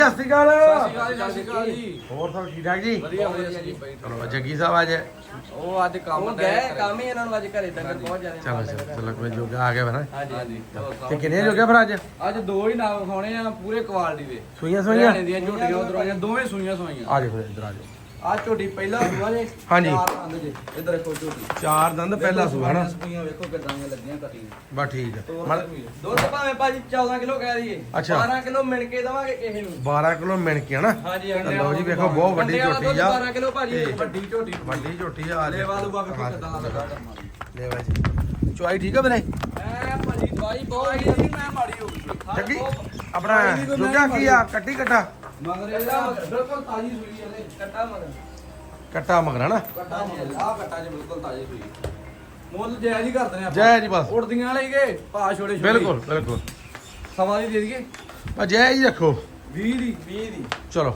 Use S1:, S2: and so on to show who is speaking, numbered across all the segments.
S1: ਸਤਿ ਸ਼੍ਰੀ ਅਕਾਲ
S2: ਜੀ।
S1: ਹੋਰ ਸਭ ਠੀਕ ਠਾਕ ਜੀ?
S2: ਵਧੀਆ ਜੀ।
S1: ਚਲੋ ਜੱਗੀ ਸਾਹਿਬ ਅੱਜ
S2: ਉਹ ਅੱਜ ਕੰਮ
S3: ਕੰਮ ਹੀ ਇਹਨਾਂ ਨੂੰ ਅੱਜ ਘਰੇ ਡੰਗਰ ਬਹੁਤ ਜ਼ਿਆਦਾ
S1: ਚਲੋ ਕੋਈ ਜੋਗਾ ਆ ਗਿਆ ਫਿਰ
S2: ਹਾਂਜੀ
S1: ਤੇ ਕਿੰਨੇ ਜੋਗੇ ਫਿਰ ਅੱਜ
S2: ਅੱਜ ਦੋ ਹੀ ਨਾਮ ਖਾਣੇ ਆ ਪੂਰੇ ਕੁਆਲਿਟੀ ਦੇ
S1: ਸੂਈਆਂ
S2: ਹਰਿਆਣੇ ਦੀਆਂ ਝੋਟੀਆਂ ਉਧਰੋਂ ਆਈਆਂ ਦੋਵੇਂ ਸੂਈਆਂ ਸਵਾਈਆਂ
S1: ਆ ਦੇਖੋ ਇੱਧਰ ਆ ਜਾਓ
S2: ਆ ਝੋਟੀ ਪਹਿਲਾ ਸੂਆ ਜੇ
S1: ਹਾਂਜੀ।
S2: ਚਾਰ ਦੰਦ ਜੇ ਇੱਧਰ ਦੇਖੋ ਝੋਟੀ
S1: ਚਾਰ ਦੰਦ ਪਹਿਲਾ ਸੂਆ ਨਾ
S2: ਸੂਈਆਂ ਵੇਖੋ ਕਿਦਾਂ ਦੀਆਂ ਲੱਗੀਆਂ ਕੱਟੀ
S1: ਬਸ ਠੀਕ ਹੈ
S3: ਦੁੱਧ ਭਾਵੇਂ ਭਾਜੀ 14 ਕਿਲੋ ਕਹਿ ਦਈਏ
S1: ਅੱਛਾ।
S3: 12 ਕਿਲੋ ਮਿਣ ਕੇ ਦਵਾਂਗੇ ਕਿਸੇ ਨੂੰ
S1: 12 ਕਿਲੋ ਮਿਣ ਕੇ ਹਨਾ
S3: ਹਾਂਜੀ
S1: ਤੇ ਲਓ ਜੀ ਵੇਖੋ ਬਹੁਤ ਵੱਡੀ ਝੋਟੀ ਆ
S3: 12 ਕਿਲੋ ਭਾਜੀ
S1: ਤੇ
S2: ਵੱਡੀ ਝੋਟੀ
S1: ਵੱਡੀ ਝੋਟੀ ਆ
S2: ਲੈ ਵਾਲੂਗਾ ਵੇਖੋ ਕਿਦਾਂ ਲੱਗਾ ਕਰਮਾ
S1: ਲੈ ਬਾਜੀ ਚੁਆਈ ਠੀਕ ਆ ਵੀਰੇ
S3: ਐ ਭਾਜੀ ਦਵਾਈ ਬਹੁਤ
S2: ਕੋਈ ਮੈਂ ਮਾੜੀ ਹੋ ਗਈ
S1: ਜੱਗੀ ਆਪਣਾ ਜੋਗਾ ਕੀ ਆ ਕੱਟੀ ਕੱਟਾ
S2: ਮਗਰ ਇਹਦਾ ਬਿਲਕੁਲ ਤਾਜੀ ਸੂਈ ਹੈ
S3: ਕੱਟਾ ਮਗਰ
S1: ਕੱਟਾ ਮਗਰ ਹਨਾ
S2: ਕੱਟਾ ਆ ਕੱਟਾ ਜੇ ਬਿਲਕੁਲ ਤਾਜੀ ਸੂਈ ਮੁੱਲ ਜਾਇਜ਼ ਹੀ ਕਰਦੇ ਨੇ ਆਪਾਂ
S1: ਜੈ ਜੀ ਬਸ
S2: ਉੜਦੀਆਂ ਵਾਲੇ ਗਏ ਭਾ ਛੋੜੇ ਛੋੜੇ
S1: ਬਿਲਕੁਲ ਬਿਲਕੁਲ
S2: ਸਵਾ ਦੀ ਦੇ ਦਈਏ
S1: ਬਸ ਜੈ ਜੀ ਰੱਖੋ
S2: 20 ਦੀ 20 ਦੀ
S1: ਚਲੋ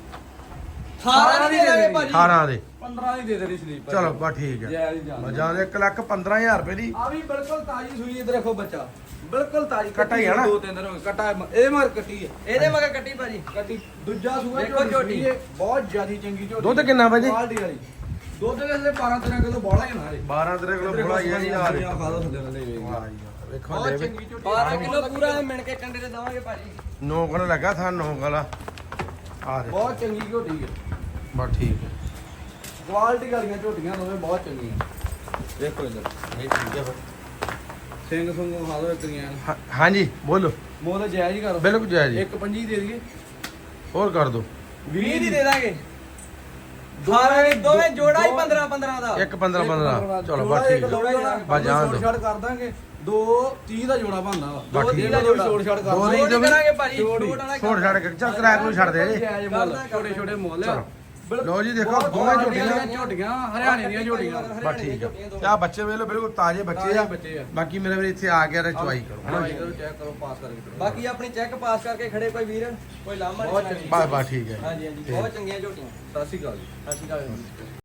S3: 18 ਦੀ ਦੇ ਦਾਂਗੇ ਭਾਜੀ
S1: 18 ਦੇ
S2: 15 ਦੀ ਦੇ ਦੇਣੀ ਸਲੀਪ
S1: ਚਲੋ ਬਸ ਠੀਕ ਹੈ
S2: ਜਾਇਜ਼ ਹੀ ਜਾਣ
S1: ਮਜਾ ਦੇ 1,15,000 ਰੁਪਏ ਦੀ
S2: ਆ ਵੀ ਬਿਲਕੁਲ ਤਾਜੀ ਸੂਈ ਇੱਧਰ ਦੇਖੋ ਬੱਚਾ ਬਿਲਕੁਲ ਤਾਜੀ
S1: ਕੱਟਾ ਹੀ ਆ ਨਾ?
S2: ਦੋ ਤਿੰਨ ਦਿਨ ਹੋ ਗਏ ਕੱਟਾ ਇਹ ਮਗਰ ਕੱਟੀ ਹੈ
S3: ਇਹਦੇ ਮਗਰ ਕੱਟੀ ਭਾਜੀ
S2: ਕੱਟੀ ਦੂਜਾ ਸੂਆ
S3: ਦੇਖੋ ਝੋਟੀ।
S2: ਹੈ ਬਹੁਤ ਜ਼ਿਆਦੀ ਚੰਗੀ ਝੋਟੀ
S1: ਦੁੱਧ ਕਿੰਨਾ ਭਾਜੀ?
S2: ਕੁਆਲਿਟੀ ਵਾਲੀ ਦੁੱਧ ਦੇ ਥੱਲੇ 12 13 ਕਿਲੋ ਬੋਲਾ ਹੀ ਨਾ ਰੇ
S1: 12 ਤੇਰੇ ਕੋਲ ਬੜਾ ਹੀ ਆ ਜੀ ਯਾਰ
S2: ਖਾ ਦੋ ਥੱਲੇ ਥੱਲੇ ਵੇਖ
S1: ਵਾਹ ਜੀ ਵਾਹ। ਵੇਖੋ
S2: ਬਹੁਤ
S1: ਲੈ
S2: ਚੰਗੀ ਝੋਟੀ
S3: 12 ਕਿਲੋ ਪੂਰਾ ਮਿਣ ਕੇ ਕੰਡੇ ਤੇ ਦਵਾਂਗੇ ਭਾਜੀ
S1: ਨੌ ਕੋਲ ਲੱਗਾ ਥਾਂ ਨੌ ਕੋਲ ਆ ਦੇ
S2: ਬਹੁਤ ਚੰਗੀ ਝੋਟੀ ਹੈ
S1: ਬਸ ਠੀਕ ਹੈ
S2: ਕੁਆਲਿਟੀ ਵਾਲੀਆਂ ਝੋਟੀਆਂ ਦੋਵੇਂ ਬਹੁਤ ਚੰਗੀਆਂ ਦੇਖੋ ਇੱਧਰ
S1: ਇਹ ਠੀਕ ਹੈ ਫਿਰ
S2: ਸਿੰਘ ਸੁੰਗ ਖਾ ਦੋ ਇਕਰੀਆਂ
S1: ਹਾਂਜੀ ਬੋਲੋ
S2: ਮੁੱਲ ਜਾਇਜ਼ ਹੀ ਕਰ
S1: ਬਿਲਕੁਲ ਜੈ ਜੀ
S2: ਇੱਕ 25 ਦੇ ਦਈਏ
S1: ਹੋਰ ਕਰ ਦੋ
S3: 20 ਦੀ ਦੇ ਦਾਂਗੇ 12 ਦੇ ਦੋਵੇਂ ਜੋੜਾ ਹੀ 15 15 ਦਾ
S1: ਇੱਕ 15 15 ਚਲੋ ਬਸ ਠੀਕ ਹੈ ਬਸ ਜਾਣ ਦਿਓ।
S2: ਛੋੜ ਕਰ ਦਾਂਗੇ 2:30 ਦਾ ਜੋੜਾ ਬਣਦਾ ਵਾ
S1: ਬਸ ਠੀਕ
S3: ਦਾ ਜੋੜਾ।
S2: ਛੋੜ ਛੜ ਕਰ
S1: ਦੋ
S2: ਦਾਂਗੇ।
S1: ਦੀ
S3: ਜੋੜ ਕਰਾਂਗੇ ਭਾਜੀ
S2: ਜੋੜੀ।
S3: ਜੋੜ ਵਾਲਾ
S1: ਛੋੜ ਛੱਡ ਕੇ ਚੱਲ ਕਿਰਾਇਆ ਕੋਈ ਛੱਡ ਦੇ ਜੀ
S2: ਜਾਇਜ਼ ਮੁੱਲ ਛੋਟੇ ਛੋਟੇ ਮੁੱਲ ਆ
S1: ਚਲੋ। ਲਓ ਜੀ ਦੇਖੋ ਦੋਵੇਂ
S2: ਝੋਟੀਆਂ ਹਰਿਆਣੇ ਦੀਆਂ ਝੋਟੀਆਂ
S1: ਬਸ ਠੀਕ ਹੈ ਤੇ ਆ ਬੱਚੇ ਵੇਖ ਲਓ ਬਿਲਕੁਲ ਤਾਜ਼ੇ ਬੱਚੇ ਆ
S2: ਬੱਚੇ ਆ
S1: ਬਾਕੀ ਮੇਰੇ ਵੀਰ ਇੱਥੇ ਆ ਗਿਆ ਤੇ ਚੁਆਈ ਕਰੋ ਹਨਾ
S2: ਭਾਈ ਕਰੋ ਚੈੱਕ ਕਰੋ ਪਾਸ ਕਰਕੇ
S3: ਬਾਕੀ ਆਪਣੀ ਚੈੱਕ ਪਾਸ ਕਰਕੇ ਖੜੇ ਕੋਈ ਵੀਰ ਕੋਈ ਲਾਮਾ
S2: ਬਹੁਤ
S3: ਨਹੀਂ
S1: ਬਸ ਬਸ ਠੀਕ ਹੈ
S3: ਹਾਂਜੀ ਬਹੁਤ ਚੰਗੀਆਂ ਝੋਟੀਆਂ
S2: ਸਤਿ ਸ਼੍ਰੀ ਅਕਾਲ ਜੀ
S3: ਸਤਿ ਸ਼੍ਰੀ ਅਕਾਲ